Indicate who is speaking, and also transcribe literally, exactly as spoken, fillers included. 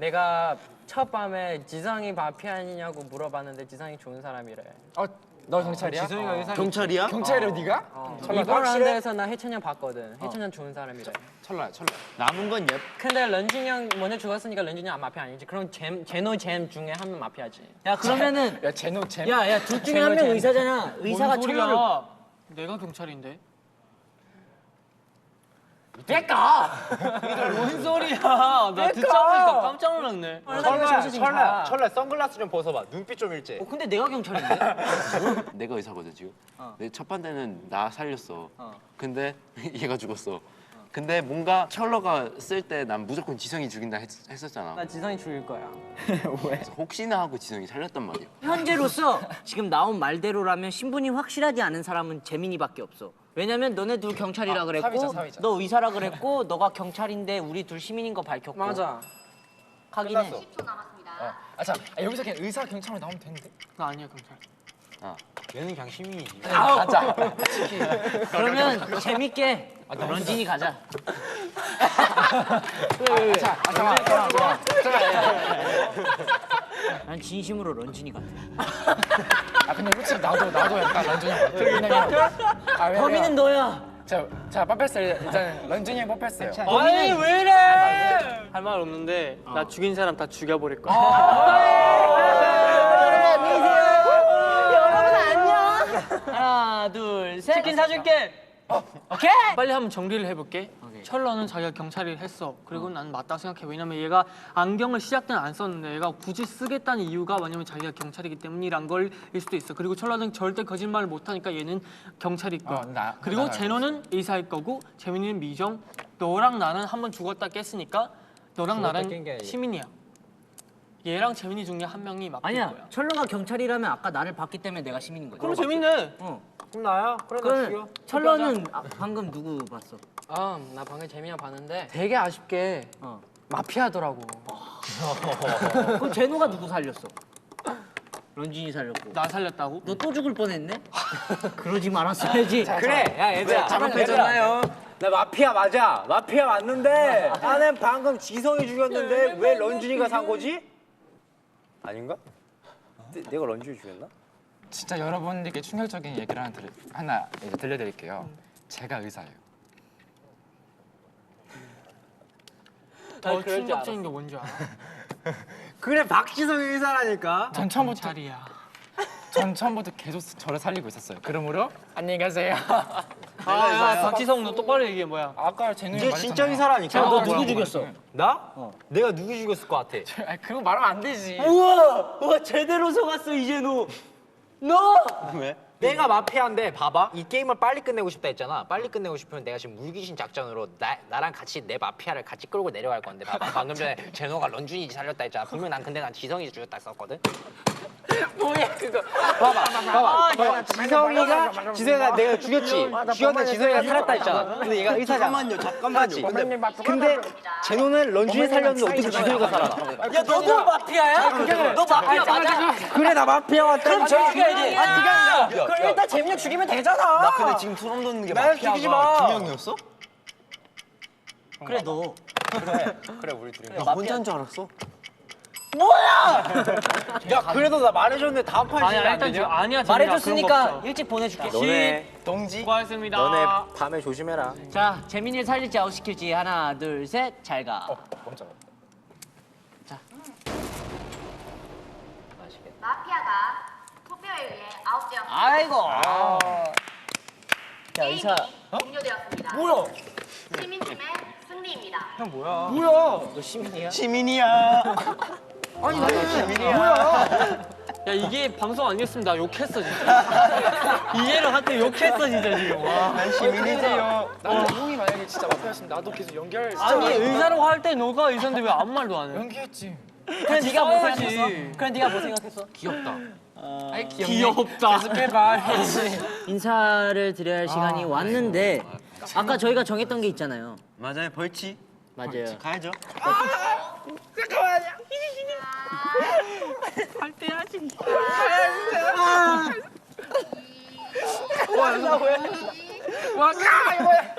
Speaker 1: 내가 첫 밤에 지성이 마피아니냐고 물어봤는데 지성이 좋은 사람이래.
Speaker 2: 어, 너 경찰이야?
Speaker 3: 지성이가 의사.
Speaker 4: 경찰이야?
Speaker 2: 경찰이야 네가?
Speaker 1: 어.
Speaker 2: 철라,
Speaker 1: 이번
Speaker 2: 확실해?
Speaker 1: 라운드에서 나 해찬이 형 봤거든. 해찬이 형 좋은 사람이래.
Speaker 2: 철라야 철라.
Speaker 4: 남은 건 예.
Speaker 1: 근데 런쥔이 형 먼저 죽었으니까 런쥔이 형 마피아 아니지. 그럼 잼, 제노 잼 중에 한 명 마피아지.
Speaker 5: 야 그러면은
Speaker 2: 야 제노 잼.
Speaker 5: 야야 둘 중에 한 명 의사잖아. 의사가
Speaker 3: 뭔 소리야?
Speaker 5: 철로를
Speaker 3: 내가 경찰인데.
Speaker 2: 내가.
Speaker 3: 뭔 소리야? 나 듣자마자 깜짝 놀랐네.
Speaker 6: 철라야, 철라야, 철라 선글라스 좀 벗어봐. 눈빛 좀 일제.
Speaker 5: 어 근데 내가 경찰인데?
Speaker 4: 내가 의사거든 지금. 내 첫 판때는 나 살렸어. 근데 얘가 죽었어. 근데 뭔가 철러가 쓸 때 난 무조건 지성이 죽인다 했, 했었잖아.
Speaker 1: 나 지성이 죽일 거야.
Speaker 4: 그래서 혹시나 하고 지성이 살렸단 말이야.
Speaker 5: 현재로서 지금 나온 말대로라면 신분이 확실하지 않은 사람은 재민이밖에 없어. 왜냐면 너네 둘 경찰이라 그랬고
Speaker 2: 사위자, 사위자.
Speaker 5: 너 의사라 그랬고 너가 경찰인데 우리 둘 시민인 거 밝혔고
Speaker 1: 맞아.
Speaker 5: 하긴 해.
Speaker 7: 십 초 남았습니다.
Speaker 2: 아, 자 아, 여기서 그냥 의사 경찰로 나오면 되는데?
Speaker 3: 나 아니야 경찰.
Speaker 6: 얘는 그냥 시민이지.
Speaker 2: 가자.
Speaker 5: 그러면 재밌게 런쥔이 가자.
Speaker 2: 자, 아, 잠깐, 잠깐,
Speaker 5: 난 진심으로 런쥔이 같아.
Speaker 2: 아 근데 솔직히 나도 나도 약간 런쥔이 형 같아. 왜냐면 아, 왜냐면
Speaker 5: 범인은 너야.
Speaker 2: 자, 자 뽑혔어요. 일단 런쥔이 형 뽑혔어요.
Speaker 3: 아니 왜 이래? 할 말 없는데 나 죽인 사람 다 죽여버릴 거야.
Speaker 5: 하나 둘 셋.
Speaker 3: 치킨 사줄게.
Speaker 5: 오케이.
Speaker 3: 빨리 한번 정리를 해볼게. 철러는 자기가 경찰을 했어. 그리고 난 맞다고 생각해. 왜냐면 얘가 안경을 시작 때는 안 썼는데 얘가 굳이 쓰겠다는 이유가 뭐냐면 자기가 경찰이기 때문이란 걸일 수도 있어. 그리고 철러는 절대 거짓말을 못하니까 얘는 경찰일 거야.
Speaker 2: 어, 나-
Speaker 3: 그리고
Speaker 2: 나
Speaker 3: 제노는 의사일 거고 재민이는 미정. 너랑 나는 한번 죽었다 깼으니까 너랑
Speaker 6: 깬게
Speaker 3: 나랑
Speaker 6: 아니야.
Speaker 3: 시민이야. 얘랑 재민이 중에 한 명이 맡길
Speaker 5: 아니야.
Speaker 3: 거야.
Speaker 5: 철로가 경찰이라면 아까 나를 봤기 때문에 내가 시민인 거지.
Speaker 3: 그럼 재밌네.
Speaker 5: 어.
Speaker 6: 그럼 나야? 그래 나
Speaker 5: 그럼
Speaker 6: 죽여.
Speaker 5: 철로는 아, 방금 누구 봤어?
Speaker 1: 아, 나 방금 재민이 봤는데 되게 아쉽게
Speaker 5: 어.
Speaker 1: 마피아더라고.
Speaker 5: 그럼 제노가 누구 살렸어? 런쥔이 살렸고.
Speaker 3: 나 살렸다고?
Speaker 5: 너 또 죽을 뻔했네? 그러지 말았어야지.
Speaker 6: 그래, 야 얘들아,
Speaker 1: 잘못했잖아요.
Speaker 6: 나 마피아 맞아. 마피아 맞는데 나는 방금 지성이 죽였는데 왜 런쥔이가 산 거지? 아닌가? 내, 내가 런쥔이 죽였나?
Speaker 2: 진짜 여러분들께 충격적인 얘기를 하나, 들, 하나 이제 들려드릴게요. 제가 의사예요.
Speaker 3: 더 충격적인 게 뭔지 알아?
Speaker 6: 그래 박지성이 의사라니까.
Speaker 2: 전 처음부터
Speaker 3: 자리야.
Speaker 2: 전 처음부터 계속 저를 살리고 있었어요. 그러므로 안녕히 가세요.
Speaker 3: 아, 야, 박지성 너 똑바로 얘기해 뭐야?
Speaker 2: 아까 제노
Speaker 6: 이제 진짜 의사라니까.
Speaker 5: 너 누구 죽였어?
Speaker 6: 나? 내가 누구 죽였을 것 같아?
Speaker 2: 아 그거 말하면 안 되지.
Speaker 5: 우와! 우와 제대로 속았어 이제 너. 너!
Speaker 6: 왜? 내가 마피아인데 봐봐. 이 게임을 빨리 끝내고 싶다 했잖아. 빨리 끝내고 싶으면 내가 지금 물귀신 작전으로 나, 나랑 같이 내 마피아를 같이 끌고 내려갈 건데 봐봐. 방금 전에 제노가 런쥔이 살렸다 했잖아. 분명 난 근데 난 지성이 죽였다 했었거든.
Speaker 1: 뭐야 그거.
Speaker 6: 봐봐, 봐봐, 봐봐. 지성이가 지성이가 내가 죽였지. 죽였는데 지성이가 살았다 했잖아. 근데 얘가 의사잖아.
Speaker 4: 잠깐만요, 잠깐만요.
Speaker 6: 근데, 근데 제노는 런쥔이 살렸는데 어떻게 지성이가 살아나?
Speaker 5: 야 너도 마피아야? 너 마피아 맞아?
Speaker 6: 그래 나 마피아 왔다.
Speaker 5: 그럼 쟤 죽여야지.
Speaker 1: 아, 네가 아니라. 그럼 일단 재민이 형 죽이면 되잖아.
Speaker 4: 나 근데 지금 소름 돋는 게
Speaker 6: 날 죽이지 마.
Speaker 4: 마피아가 두 명이었어?
Speaker 5: 그래 너.
Speaker 6: 그래 우리 둘이.
Speaker 4: 나 혼자인 줄 알았어.
Speaker 6: 야 그래도 나 말해줬는데 다음 판
Speaker 3: 아니야
Speaker 6: 시간 안
Speaker 3: 일단 지금
Speaker 6: 되냐?
Speaker 3: 아니야 재민아, 그런 거
Speaker 5: 말해줬으니까
Speaker 3: 없어.
Speaker 5: 일찍 보내줄게.
Speaker 6: 너네
Speaker 2: 동지.
Speaker 3: 수고하셨습니다.
Speaker 6: 너네 밤에 조심해라.
Speaker 5: 자 재민이를 살릴지 아웃시킬지 하나 둘 셋 잘 가.
Speaker 2: 먼저.
Speaker 7: 마피아가 투표에 의해 아웃되었습니다.
Speaker 5: 아이고. 야
Speaker 7: 게임이
Speaker 5: 의사.
Speaker 7: 종료되었습니다.
Speaker 2: 뭐야?
Speaker 7: 시민팀의 승리입니다.
Speaker 5: 너 시민이야?
Speaker 4: 시민이야.
Speaker 2: 아니 나 뭐야?
Speaker 3: 야 이게 방송 아니었으면 나 욕했어 진짜. 이해를 한테 욕했어 진짜 지금. 와.
Speaker 2: 난 시민이세요. 나도 형이 만약에 진짜 마피아였으면 나도 계속 연결.
Speaker 3: 아니 의사라고 할 때 너가 의사인데 왜 아무 말도 안 해?
Speaker 2: 연기했지.
Speaker 5: 그래 네가 뭐
Speaker 3: 써야지.
Speaker 5: 생각했어? 그래 네가 뭐 생각했어?
Speaker 2: 귀엽다. 아이 귀엽네.
Speaker 3: 귀엽다.
Speaker 2: 계속해봐.
Speaker 5: 인사를 드려야 할 시간이 왔는데 아까 저희가 정했던 게 있잖아요.
Speaker 4: 맞아요, 벌칙.
Speaker 5: 맞아요.
Speaker 4: 가야죠.
Speaker 7: 와,
Speaker 2: 와, 야, 이거야.